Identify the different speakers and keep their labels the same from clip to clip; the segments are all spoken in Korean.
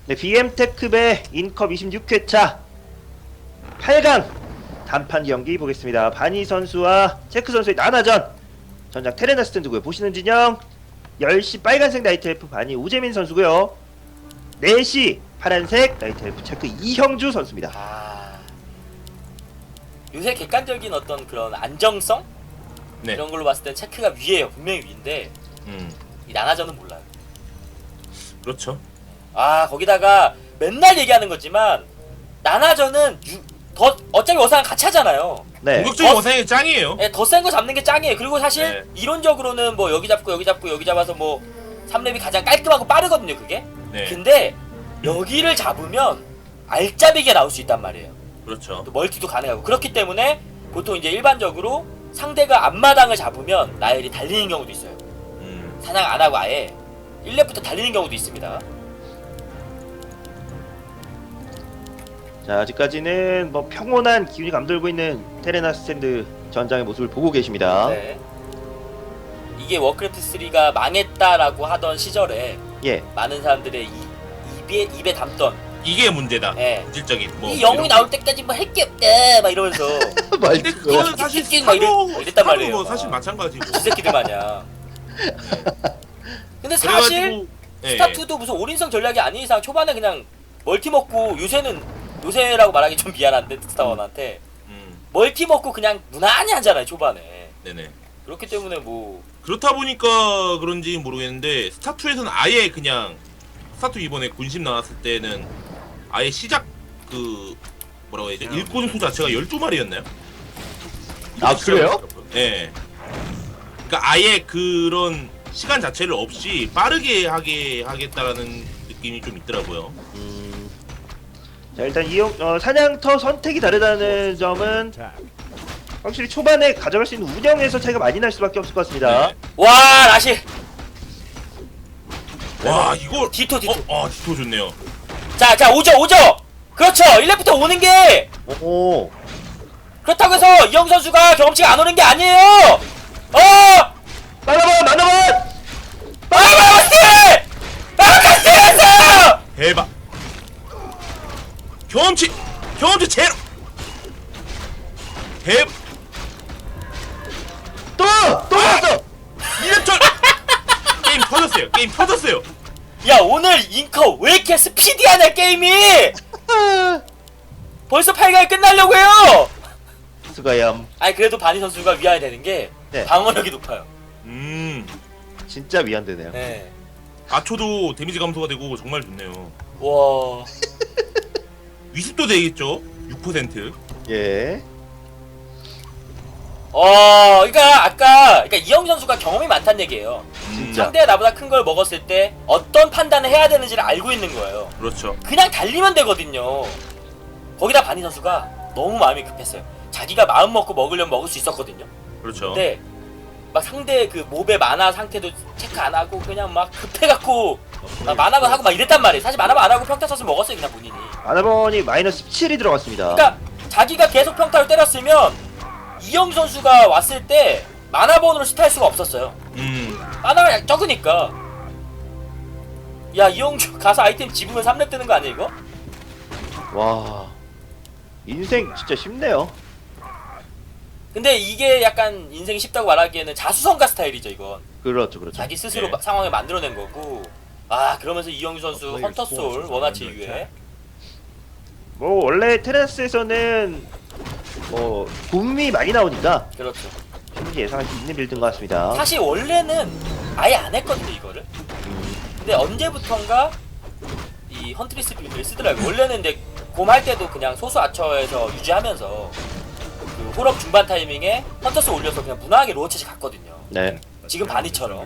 Speaker 1: 네, BM테크배 인컵 26회차 8강 단판 경기 보겠습니다. 바니 선수와 체크 선수의 나나전. 전장 테레나 스탠드고요. 보시는 진영 10시 빨간색 나이트 엘프 바니 우재민 선수고요. 4시 파란색 나이트 엘프 체크 이형주 선수입니다.
Speaker 2: 요새 객관적인 어떤 그런 안정성?
Speaker 3: 네.
Speaker 2: 이런 걸로 봤을 땐 체크가 위에요. 분명히 위인데 이 나나전은 몰라요.
Speaker 3: 그렇죠.
Speaker 2: 거기다가 맨날 얘기하는 거지만 나나전은 어차피 어상은 같이 하잖아요.
Speaker 1: 네.
Speaker 3: 공격적인 어상이 짱이에요.
Speaker 2: 네, 더 센 거 잡는 게 짱이에요. 그리고 사실
Speaker 3: 네.
Speaker 2: 이론적으로는 뭐 여기 잡고 여기 잡고 여기 잡아서 뭐 3렙이 가장 깔끔하고 빠르거든요, 그게.
Speaker 3: 네.
Speaker 2: 근데 여기를 잡으면 알짜배기가 나올 수 있단 말이에요.
Speaker 3: 그렇죠.
Speaker 2: 또 멀티도 가능하고. 그렇기 때문에 보통 이제 일반적으로 상대가 앞마당을 잡으면 나엘이 달리는 경우도 있어요. 사냥 안 하고 아예 1렙부터 달리는 경우도 있습니다.
Speaker 1: 자, 아직까지는 뭐 평온한 기운이 감돌고 있는 테레나 스탠드 전장의 모습을 보고 계십니다.
Speaker 2: 네. 이게 워크래프트 3가 망했다라고 하던 시절에
Speaker 1: 예.
Speaker 2: 많은 사람들의 입에 담던
Speaker 3: 이게 문제다.
Speaker 2: 예.
Speaker 3: 실적인 뭐
Speaker 2: 이 영웅이 나올 때까지 뭐 할 게 없다 막 이러면서
Speaker 3: 근데 그거는 사실
Speaker 2: 막 이랬단 말이에요.
Speaker 3: 뭐 사실 마찬가지고.
Speaker 2: 이 새끼들 마냥. 근데 사실
Speaker 3: 예,
Speaker 2: 스타2도 무슨 올인성 전략이 아닌 이상 초반에 그냥 멀티 먹고 요새라고 말하기 좀 미안한데 스타1한테 멀티 먹고 그냥 무난히 하잖아요 초반에.
Speaker 3: 네네.
Speaker 2: 그렇기 때문에 뭐
Speaker 3: 그렇다 보니까 그런지 모르겠는데 스타2에서는 아예 그냥 스타2 이번에 군심 나왔을 때는 아예 시작 그 뭐라고 해야 되지? 일꾼 수 자체가 12마리였나요?
Speaker 1: 아, 그래요?
Speaker 3: 예. 그러니까 아예 그런 시간 자체를 없이 빠르게 하겠다라는 느낌이 좀 있더라고요.
Speaker 1: 자, 일단 사냥터 선택이 다르다는 점은 확실히 초반에 가져갈 수 있는 운영에서 차이가 많이 날 수밖에 없을 것 같습니다.
Speaker 3: 네.
Speaker 2: 와 라시
Speaker 3: 와 이거
Speaker 2: 디토.
Speaker 3: 디토 좋네요.
Speaker 2: 자 오죠 그렇죠 1렙부터 오는 게
Speaker 1: 오.
Speaker 2: 그렇다고 해서 이영 선수가 경험치가 안 오는 게 아니에요.
Speaker 1: 만화만!
Speaker 2: 마카스였어.
Speaker 3: 대박. 경험치 제로.
Speaker 1: 또 왔어!
Speaker 3: 이랬죠. 게임 터졌어요.
Speaker 2: 야 오늘 잉커 왜 이렇게 스피디하냐 게임이. 벌써 8강이 끝나려고 해요.
Speaker 1: 수가얌.
Speaker 2: 아니 그래도 바니 선수가 위안이 되는 게
Speaker 1: 네.
Speaker 2: 방어력이 높아요.
Speaker 1: 진짜 위안되네요.
Speaker 2: 네.
Speaker 3: 아초도 데미지 감소가 되고 정말 좋네요.
Speaker 2: 와.
Speaker 3: 위습도 되겠죠? 6%.
Speaker 1: 예.
Speaker 2: 그러니까 이영 선수가 경험이 많다는 얘기예요.
Speaker 1: 진짜.
Speaker 2: 상대가 나보다 큰 걸 먹었을 때 어떤 판단을 해야 되는지를 알고 있는 거예요.
Speaker 3: 그렇죠.
Speaker 2: 그냥 달리면 되거든요. 거기다 바니 선수가 너무 마음이 급했어요. 자기가 마음 먹고 먹으려면 먹을 수 있었거든요.
Speaker 3: 그렇죠.
Speaker 2: 근데 막 상대 그 몹의 만화 상태도 체크 안 하고 그냥 막 급해갖고 막 만화만 하고 막 이랬단 말이에요. 사실 만화만 안 하고 평타 쳐서 먹었어요 그냥 본인이.
Speaker 1: 만화번이 마이너스 17이 들어갔습니다.
Speaker 2: 그러니까 자기가 계속 평타를 때렸으면 이영 선수가 왔을 때 만화번으로 시타할 수가 없었어요. 만화가 적으니까. 야 이영주 가서 아이템 집으면 3렙 뜨는 거 아니야 이거?
Speaker 1: 와. 인생 진짜 쉽네요.
Speaker 2: 근데 이게 약간 인생이 쉽다고 말하기에는 자수성가 스타일이죠 이건.
Speaker 1: 그렇죠.
Speaker 2: 자기 스스로
Speaker 3: 네.
Speaker 2: 상황을 만들어낸 거고. 그러면서 이영주 선수 헌터솔 원하치 이후에
Speaker 1: 뭐 원래 테라스에서는 뭐 붐이 많이 나오니까
Speaker 2: 그렇죠.
Speaker 1: 충분히 예상할 수 있는 빌드인 것 같습니다.
Speaker 2: 사실 원래는 아예 안 했거든요 이거를. 근데 언제부턴가 이 헌트리스 빌드를 쓰더라고요. 원래는 근데 곰할 때도 그냥 소수 아처에서 유지하면서 그 홀업 중반 타이밍에 헌터스 올려서 그냥 무난하게 로어챗이 갔거든요.
Speaker 1: 네.
Speaker 2: 지금 바니처럼.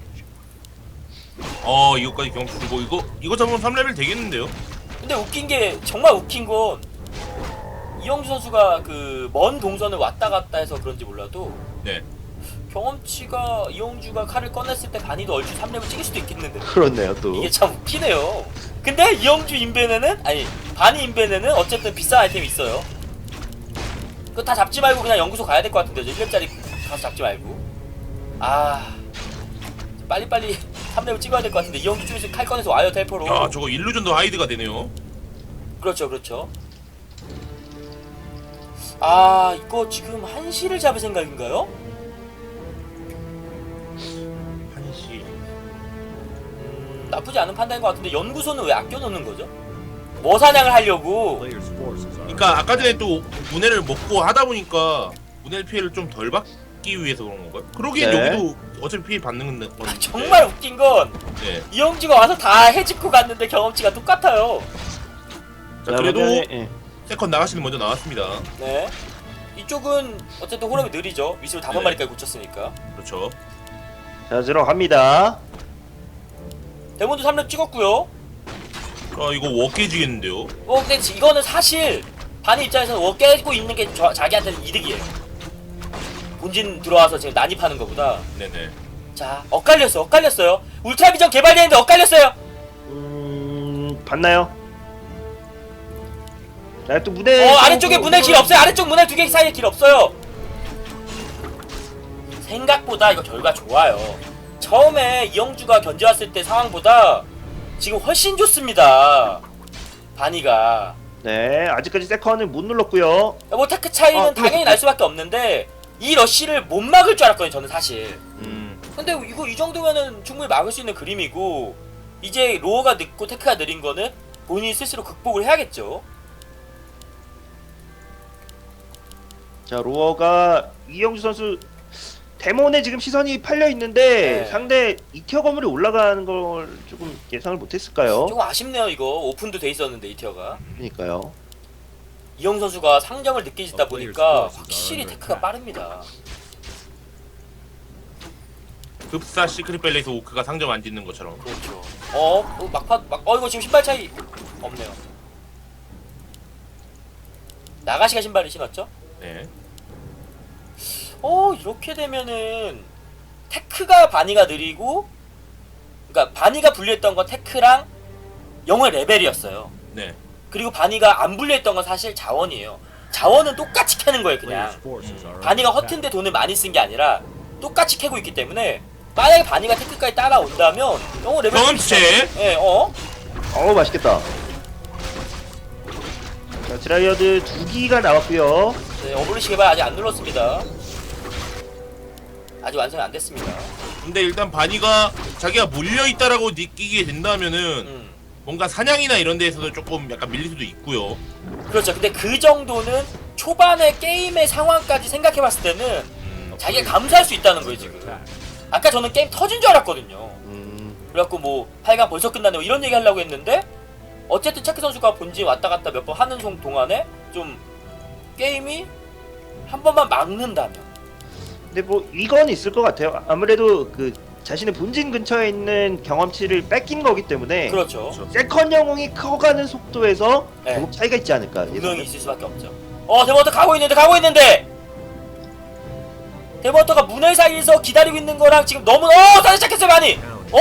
Speaker 3: 이거까지 경험치 주고 이거 잡으면 3레벨 되겠는데요?
Speaker 2: 근데 웃긴 게 정말 웃긴 건 이영주 선수가 그 먼 동선을 왔다 갔다 해서 그런지 몰라도
Speaker 3: 네.
Speaker 2: 경험치가 이영주가 칼을 꺼냈을 때 바니도 얼추 3렙을 찍을 수도 있겠는데
Speaker 1: 그렇네요 또.
Speaker 2: 이게 참 웃기네요. 근데 이영주 인벤에는 바니 인벤에는 어쨌든 비싼 아이템이 있어요. 그거 다 잡지 말고 그냥 연구소 가야 될 것 같은데 1렙짜리 가서 잡지 말고. 빨리빨리 3렙을 찍어야 될 것 같은데 이영주 쪽에서 칼 꺼내서 와요 텔포로.
Speaker 3: 야 저거 일루전도 하이드가 되네요.
Speaker 2: 그렇죠 그렇죠. 아 이거 지금 한시를 잡을 생각인가요?
Speaker 3: 한시.
Speaker 2: 나쁘지 않은 판단인 것 같은데 연구소는 왜 아껴놓는 거죠? 뭐 사냥을 하려고?
Speaker 3: 그러니까 아까 전에 또 문해를 먹고 하다 보니까 문해 피해를 좀 덜 받기 위해서 그런 건가요? 그러기엔
Speaker 1: 네.
Speaker 3: 여기도 어차피 피해 받는 건데.
Speaker 2: 정말 웃긴 건
Speaker 3: 네.
Speaker 2: 이영주가 와서 다 해집고 갔는데 경험치가 똑같아요.
Speaker 3: 자 그래도
Speaker 1: 예.
Speaker 3: 세컨 나가시는 먼저 나왔습니다.
Speaker 2: 네. 이쪽은 어쨌든 호럽이 느리죠. 위습을 5마리까지
Speaker 3: 네.
Speaker 2: 굳혔으니까.
Speaker 3: 그렇죠.
Speaker 1: 자 들어갑니다.
Speaker 2: 데몬도 3렙 찍었고요.
Speaker 3: 아 이거 워 깨지겠는데요?
Speaker 2: 근데 이거는 사실 반의 입장에서는 깨고 있는 게 자기한테는 이득이에요. 본진 들어와서 지금 난입하는 것보다.
Speaker 3: 네네.
Speaker 2: 자, 엇갈렸어요. 울트라 비전 개발되는데 엇갈렸어요.
Speaker 1: 봤나요? 자, 또 문에
Speaker 2: 아래쪽에 문에 길 없어요. 아래쪽 문에 2개 사이에 길 없어요. 생각보다 이거 결과 좋아요. 처음에 이영주가 견제왔을 때 상황보다 지금 훨씬 좋습니다. 바니가.
Speaker 1: 네, 아직까지 세컨을 못 눌렀고요.
Speaker 2: 뭐 테크 차이는 당연히 날 수밖에 없는데 이 러쉬를 못 막을 줄 알았거든요. 저는 사실. 근데 이거 이 정도면은 충분히 막을 수 있는 그림이고 이제 로어가 늦고 테크가 느린 거는 본인이 스스로 극복을 해야겠죠.
Speaker 1: 자, 로어가 이영주 선수 데몬에 지금 시선이 팔려 있는데
Speaker 2: 네.
Speaker 1: 상대 2티어 건물이 올라가는 걸 조금 예상을 못했을까요?
Speaker 2: 조금 아쉽네요. 이거 오픈도 돼 있었는데 이 티어가.
Speaker 1: 그러니까요.
Speaker 2: 이영 선수가 상정을 늦게 짓다 보니까 확실히 테크가 빠릅니다.
Speaker 3: 급사 시크릿 밸리에서 오크가 상점 안 짓는 것처럼.
Speaker 2: 그렇죠. 이거 지금 신발 차이 없네요. 나가시가 신발을 신었죠?
Speaker 3: 네.
Speaker 2: 이렇게 되면은 테크가 바니가 느리고, 그러니까 바니가 불리했던 건 테크랑 영의 레벨이었어요.
Speaker 3: 네.
Speaker 2: 그리고 바니가 안 불리했던 건 사실 자원이에요. 자원은 똑같이 캐는 거예요, 그냥. 바니가 허튼데 돈을 많이 쓴 게 아니라 똑같이 캐고 있기 때문에 만약에 바니가 테크까지 따라온다면 영어 레벨
Speaker 3: 경험치체.
Speaker 2: 예,
Speaker 1: 맛있겠다. 자, 드라이어드 2기가 나왔고요.
Speaker 2: 네, 어블리시 개발 아직 안 눌렀습니다. 아직 완성이 안 됐습니다.
Speaker 3: 근데 일단 바니가 자기가 몰려있다라고 느끼게 된다면은 뭔가 사냥이나 이런 데에서도 조금 약간 밀릴 수도 있고요.
Speaker 2: 그렇죠. 근데 그 정도는 초반에 게임의 상황까지 생각해봤을 때는 자기가 감수할 수 있다는 거예요, 지금. 아까 저는 게임 터진 줄 알았거든요. 그래갖고 뭐 8강 벌써 끝났네 뭐 이런 얘기 하려고 했는데 어쨌든 체크 선수가 본진 왔다 갔다 몇 번 하는 동안에 좀 게임이 한 번만 막는다면.
Speaker 1: 근데 뭐 이건 있을 것 같아요. 아무래도 그 자신의 본진 근처에 있는 경험치를 뺏긴 거기 때문에
Speaker 2: 그렇죠.
Speaker 1: 세컨 영웅이 커가는 속도에서
Speaker 2: 네.
Speaker 1: 조금 차이가 있지 않을까.
Speaker 2: 분명히 있을 수밖에 없죠. 데버터 가고 있는데 데버터가 문을 사이에서 기다리고 있는 거랑 지금 너무 다시 시작했어요 바니.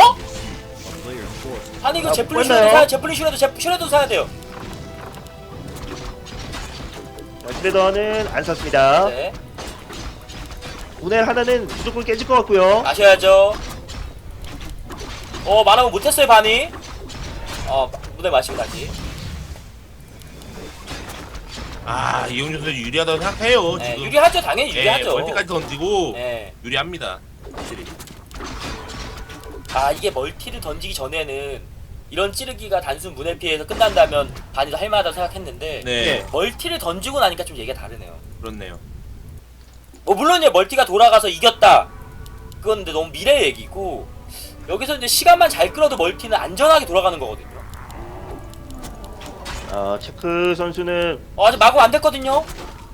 Speaker 2: 아니 이거 제플린 슈레도 사야 제플린 슈레도 사야 돼요.
Speaker 1: 자, 슈레더는 안 샀습니다.
Speaker 2: 네.
Speaker 1: 오늘 하나는 무조건 깨질 것 같고요.
Speaker 2: 마셔야죠. 말하면 못했어요 바니. 문을 마시고 다시.
Speaker 3: 이용준 선수 유리하다고 생각해요.
Speaker 2: 네,
Speaker 3: 지금.
Speaker 2: 유리하죠. 당연히 유리하죠.
Speaker 3: 멀티까지 던지고
Speaker 2: 네.
Speaker 3: 유리합니다. 확실히.
Speaker 2: 이게 멀티를 던지기 전에는 이런 찌르기가 단순 문해 피해에서 끝난다면 바니도 할만하다고 생각했는데
Speaker 3: 네.
Speaker 2: 멀티를 던지고 나니까 좀 얘기가 다르네요.
Speaker 3: 그렇네요.
Speaker 2: 물론 이제 멀티가 돌아가서 이겼다. 그건 근데 너무 미래 얘기고 여기서 이제 시간만 잘 끌어도 멀티는 안전하게 돌아가는 거거든요.
Speaker 1: 체크 선수는
Speaker 2: 아직 마구 안 됐거든요.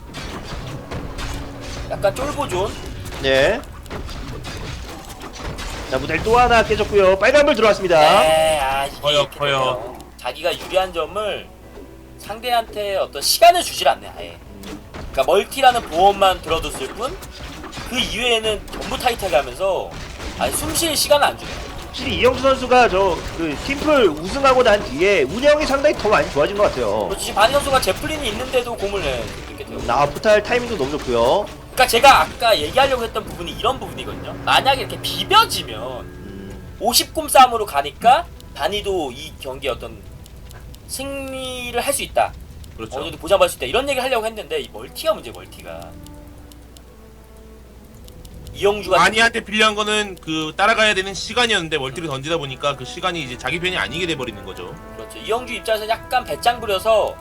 Speaker 2: 약간 쫄보존.
Speaker 1: 네. 자, 무대를 또 하나 깨졌고요. 빨간불 들어왔습니다.
Speaker 2: 네, 이게
Speaker 3: 커요,
Speaker 2: 이렇게
Speaker 3: 커요.
Speaker 2: 되네요. 자기가 유리한 점을 상대한테 어떤 시간을 주질 않네, 아예. 그러니까 멀티라는 보험만 들어뒀을 뿐 그 이외에는 전부 타이트하게 하면서 숨 쉴 시간을 안 주네요.
Speaker 1: 확실히 이영수 선수가 그 팀플 우승하고 난 뒤에 운영이 상당히 더 많이 좋아진 것 같아요.
Speaker 2: 그렇지, 지금 바니 선수가 제플린이 있는데도 공을 이렇게 돼요.
Speaker 1: 포탈 타이밍도 너무 좋고요.
Speaker 2: 그러니까 제가 아까 얘기하려고 했던 부분이 이런 부분이거든요. 만약에 이렇게 비벼지면 50곰 싸움으로 가니까 바니도 이 경기에 어떤 승리를 할 수 있다.
Speaker 3: 그렇죠.
Speaker 2: 어느 정도 보장받을 수 있다. 이런 얘기를 하려고 했는데 이 멀티가 문제. 멀티가 이영주가
Speaker 3: 바니한테 필요한 거는 그 따라가야 되는 시간이었는데 멀티를 던지다 보니까 그 시간이 이제 자기 편이 아니게 돼 버리는 거죠.
Speaker 2: 그렇죠. 이영주 입장에서 약간 배짱 부려서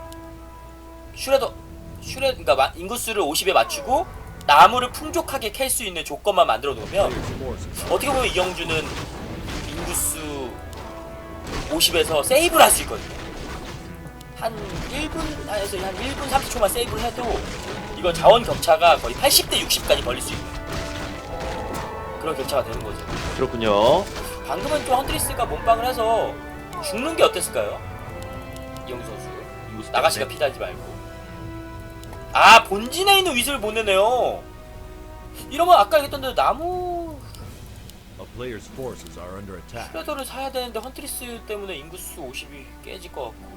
Speaker 2: 그러니까 인구수를 50에 맞추고 나무를 풍족하게 캘 수 있는 조건만 만들어 놓으면 어떻게 보면 이영주는 인구수 50에서 세이브를 할 수 있거든요. 한 1분에서 한 1분 30초만 세이브를 해도 이건 자원 격차가 거의 80대 60까지 벌릴 수 있는 그런 격차가 되는 거죠.
Speaker 1: 그렇군요.
Speaker 2: 방금은 좀 헌트리스가 몸빵을 해서 죽는 게 어땠을까요? 이영주 선수. 나가시가 피달지 말고. 아, 본진에 있는 위습을 못 내네요. 이러면 아까 얘기했던 대로 나무
Speaker 4: A player's forces are under attack.
Speaker 2: 프레더를 사야 되는데 헌트리스 때문에 인구수 50이 깨질 것 같고.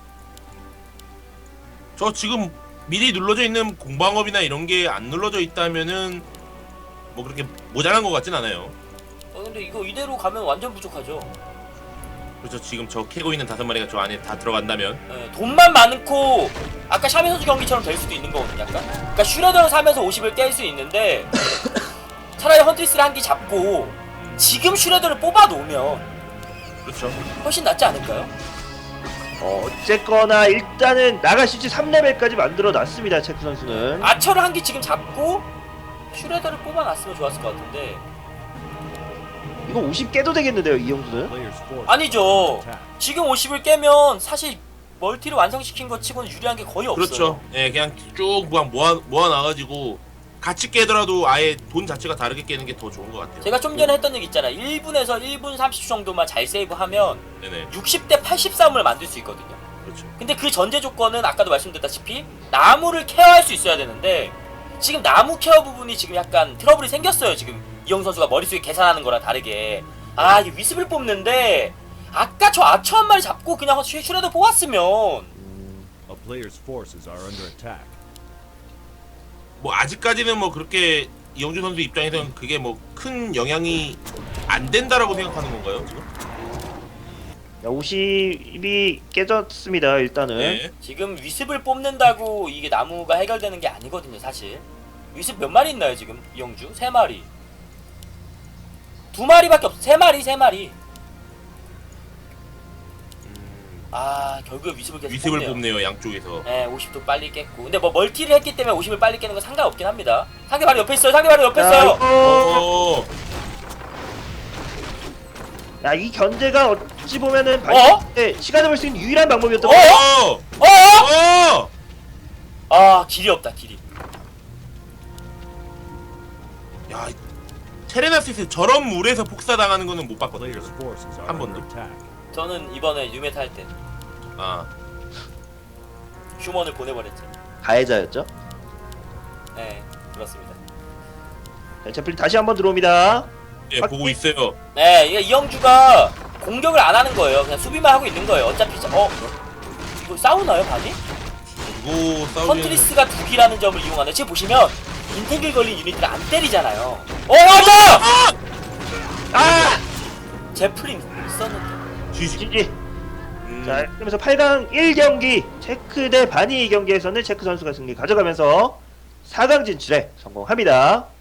Speaker 3: 저 지금 미리 눌러져 있는 공방업이나 이런 게 안 눌러져 있다면은 뭐 그렇게 모자란 것 같진 않아요.
Speaker 2: 근데 이거 이대로 가면 완전 부족하죠.
Speaker 3: 그렇죠. 지금 저 캐고 있는 5마리가 저 안에 다 들어간다면
Speaker 2: 예, 돈만 많고 아까 샤미 선수 경기처럼 될 수도 있는 거거든요. 약간. 그러니까 슈레더를 사면서 50을 깰 수 있는데 차라리 헌트리스를 한 개 잡고 지금 슈레더를 뽑아 놓으면
Speaker 3: 그렇죠.
Speaker 2: 훨씬 낫지 않을까요?
Speaker 1: 어쨌거나 일단은 나가시지 3레벨까지 만들어 놨습니다. 체크 선수는.
Speaker 2: 아처를 한 개 지금 잡고 슈레더를 뽑아 놨으면 좋았을 것 같은데
Speaker 1: 이거 50 깨도 되겠는데요, 이영수는?
Speaker 4: Player's forces
Speaker 2: 아니죠.
Speaker 4: are under attack.
Speaker 2: 지금 50을 깨면 사실 멀티를 완성시킨 것 치고는 유리한 게 거의 없어요.
Speaker 3: 그렇죠. 예, 그냥 쭉 그냥 모아놔가지고 같이 깨더라도 아예 돈 자체가 다르게 깨는 게 더 좋은 것 같아요.
Speaker 2: 제가 좀 전에 했던 얘기 있잖아요. 1분에서 1분 30초 정도만 잘 세이브하면
Speaker 3: 네네.
Speaker 2: 60대 80 싸움을 만들 수 있거든요.
Speaker 3: 그렇죠.
Speaker 2: 근데 그 전제 조건은 아까도 말씀드렸다시피 나무를 케어할 수 있어야 되는데 지금 나무 케어 부분이 지금 약간 트러블이 생겼어요. 지금 이영 선수가 머릿속에 계산하는 거랑 다르게 아 이게 위습을 뽑는데 아까 저 아처 한 마리 잡고 그냥 슈레더 뽑았으면
Speaker 4: A player's forces are under attack.
Speaker 3: 뭐 아직까지는 뭐 그렇게 이영준 선수 입장에서는 그게 뭐 큰 영향이 안 된다라고 생각하는 건가요 지금?
Speaker 1: 50이 깨졌습니다. 일단은.
Speaker 3: 네.
Speaker 2: 지금 위습을 뽑는다고 이게 나무가 해결되는 게 아니거든요. 사실 위습 몇 마리 있나요 지금 이영주? 3마리 2마리밖에 없어. 3마리 아 결국에 위습을 계속
Speaker 3: 위습을
Speaker 2: 뽑네요.
Speaker 3: 뽑네요 양쪽에서.
Speaker 2: 네, 50도 빨리 깼고. 근데 뭐 멀티를 했기 때문에 50을 빨리 깨는 건 상관없긴 합니다. 상대 바로 옆에 있어요. 상대 바로 옆에 있어요.
Speaker 3: 어.
Speaker 1: 야, 이 견제가 어찌 보면은 시간을 벌 수 있는 유일한 방법이었던 것 같아요.
Speaker 3: 어.
Speaker 2: 아 길이 없다 길이.
Speaker 3: 야, 테레나스에서 저런 물에서 폭사당하는 거는 못 봤거든요.
Speaker 4: Player's forces are
Speaker 3: 한
Speaker 4: under
Speaker 3: 번도.
Speaker 4: attack.
Speaker 2: 저는 이번에 유메타 할 때
Speaker 3: 아,
Speaker 2: 휴먼을 보내버렸죠.
Speaker 1: 가해자였죠.
Speaker 2: 네 그렇습니다.
Speaker 1: 자, 제플린 다시 한번 들어옵니다.
Speaker 3: 예, 보고 있어요.
Speaker 2: 네 이게 이영주가 공격을 안 하는 거예요. 그냥 수비만 하고 있는 거예요. 어차피 이거 싸우나요 바니?
Speaker 3: 이거 싸우면
Speaker 2: 컨트리스가 두 기라는 점을 이용하네. 지금 보시면 인탱글 걸린 유닛들 안 때리잖아요. 맞아!
Speaker 1: 아!
Speaker 2: 제플린 있었는데.
Speaker 1: GG. 자, 그러면서 8강 1경기 체크 대 바니 경기에서는 체크 선수가 승리 가져가면서 4강 진출에 성공합니다.